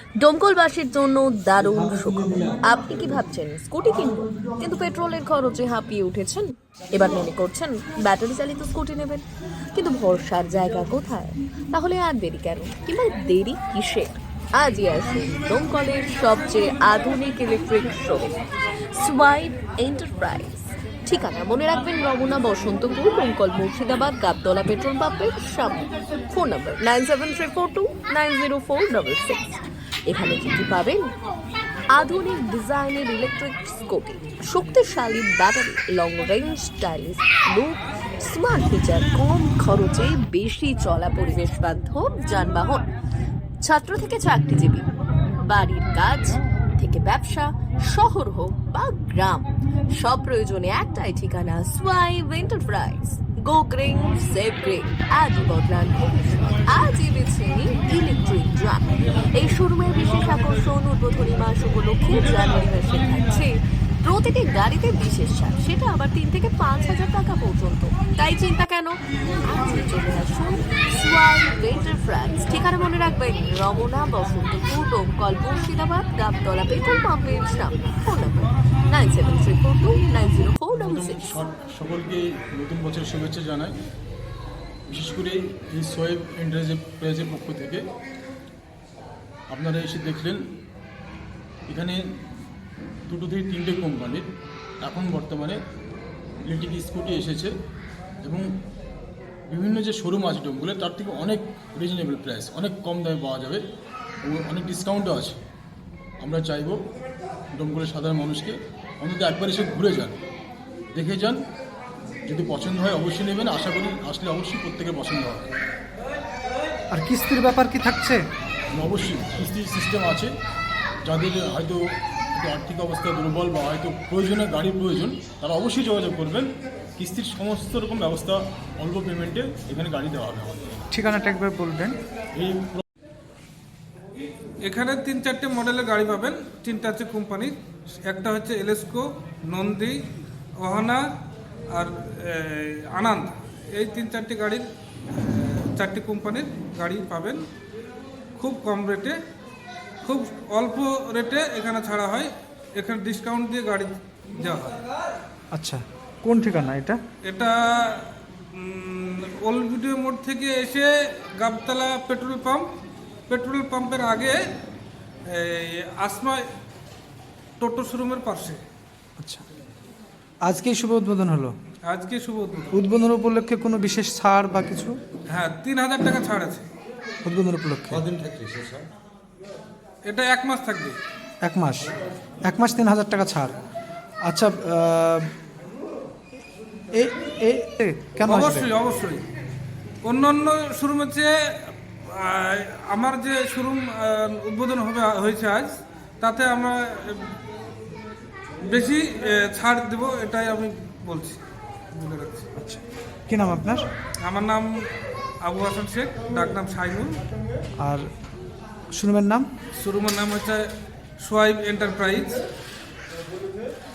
ডোমকলবাসীর জন্য দারুণ সুখবর। আপনি কি ভাবছেন স্কুটি কিনবো, কিন্তু পেট্রোলের খরচে হাঁপিয়ে উঠেছেন? এবার মনে করছেন ব্যাটারি চালিত স্কুটি নেবেন, কিন্তু ভরসার জায়গা কোথায়? তাহলে আর দেরি কেন, কিংবা দেরি কিসের? আজই আসুন ডোমকলের সবচেয়ে আধুনিক ইলেকট্রিক শোরুম সোয়াইপ এন্টারপ্রাইজ। ঠিকানা মনে রাখবেন, রমনা বসন্তপুর, ডোমকল, মুর্শিদাবাদ, গাবতলা পেট্রোল পাম্পের সামনে। Phone number 9734290466। এখানে কি কি পাবেন? আধুনিক ডিজাইনের ইলেকট্রিক স্কুটি, শক্তিশালী battery, long range, stylish look, smart feature, কম খরচে বেশি চলা পরিবেশ বান্ধব যানবাহন। ছাত্র থেকে চাকরিজীবী, বাড়ির কাজ থেকে ব্যবসা, শহর হোক বা গ্রাম, সব প্রয়োজনে একটাই ঠিকানা, swipe enterprise. Go green, save green, আজই বদলান ভবিষ্যৎ। আজই বেছে নিন ইলেকট্রিক ড্রাম। এই শোরুমের বিশেষ আকর্ষণ, উদ্বোধনী মাস উপলক্ষে জানুয়ারি মাসে থাকছে প্রতিটি গাড়িতে বিশেষ ছাড়, সেটা আবার 3 থেকে 5,000 টাকা পর্যন্ত। তাই চিন্তা কেন, আজই চলে আসুন সোয়াইপ এন্টারপ্রাইজ। ঠিকানা মনে রাখবেন, রমনা বসন্তপুর, ডোমকল, মুর্শিদাবাদ, গাবতলা পেট্রোল পাম্পের সামনে। Phone number 9734290466। সকলকে নতুন বছর শুভেচ্ছা জানাই। বিশেষ করে এই সোয়েব এন্টারপ্রাইজের পক্ষ থেকে আপনারা এসে দেখলেন এখানে 2 থেকে 3টে কোম্পানির এখন বর্তমানে ইলেকট্রিক স্কুটি এসেছে, এবং বিভিন্ন যে শোরুম আছে ডোমগুলো তার থেকে অনেক রিজনেবল প্রাইস, অনেক কম দামে পাওয়া যাবে এবং অনেক ডিসকাউন্টও আছে। আমরা চাইব ডোমগুলোর সাধারণ মানুষকে অন্তত একবার এসে ঘুরে যান, দেখে যান, যদি পছন্দ হয় অবশ্যই নেবেন। আশা করি আসলে অবশ্যই প্রত্যেকের পছন্দ হবে। আর কিস্তির ব্যাপার কি থাকছে? অবশ্যই কিস্তির সিস্টেম আছে। যাদের হয়তো একটু আর্থিক অবস্থা দুর্বল বা হয়তো প্রয়োজনে গাড়ির প্রয়োজন, তারা অবশ্যই যোগাযোগ করবেন। কিস্তির সমস্ত রকম ব্যবস্থা অল্প পেমেন্টে এখানে গাড়ি দেওয়া হবে আমাদের। ঠিকানাটা একবার বলবেন। এই এখানে 3-4টে মডেলের গাড়ি পাবেন, 3টা হচ্ছে কোম্পানির। একটা হচ্ছে এলেস্কো, নন্দী, ওহানা আর আনন্দ। এই 3-4টে গাড়ির 4টে কোম্পানির গাড়ি পাবেন খুব কম রেটে, খুব অল্প রেটে এখানে ছাড়া হয়। এখানে ডিসকাউন্ট দিয়ে গাড়ি দেওয়া হয়। আচ্ছা, কোন ঠিকানা এটা? এটা ওল্ড ভিডিও মোড় থেকে এসে গাবতলা পেট্রোল পাম্পের আগে আসমা টোটো শোরুমের পাশে। আচ্ছা, আজকেই শুভ উদ্বোধন হলো। আজকে শুভ উদ্বোধন। উদ্বোধন উপলক্ষে কোনো বিশেষ ছাড় বা কিছু? হ্যাঁ, 3,000 টাকা ছাড় আছে উদ্বোধন উপলক্ষে। কদিন থাকছে সে স্যার? এটা 1 মাস থাকবে। 1 মাস 3,000 টাকা ছাড়। আচ্ছা, কেন আসবে? অবশ্যই অন্যান্য শোরুমের চেয়ে আমার যে শোরুম উদ্বোধন হয়েছে আজ, তাতে আমরা বেশি ছাড় দেব, এটাই আমি বলে রাখছি। আচ্ছা, কি নাম আপনার? আমার নাম আবু হাসান শেখ, ডাকনাম শাইনুল। আর শোরুমের নাম? শোরুমের নাম হচ্ছে সোয়াইপ এন্টারপ্রাইজ।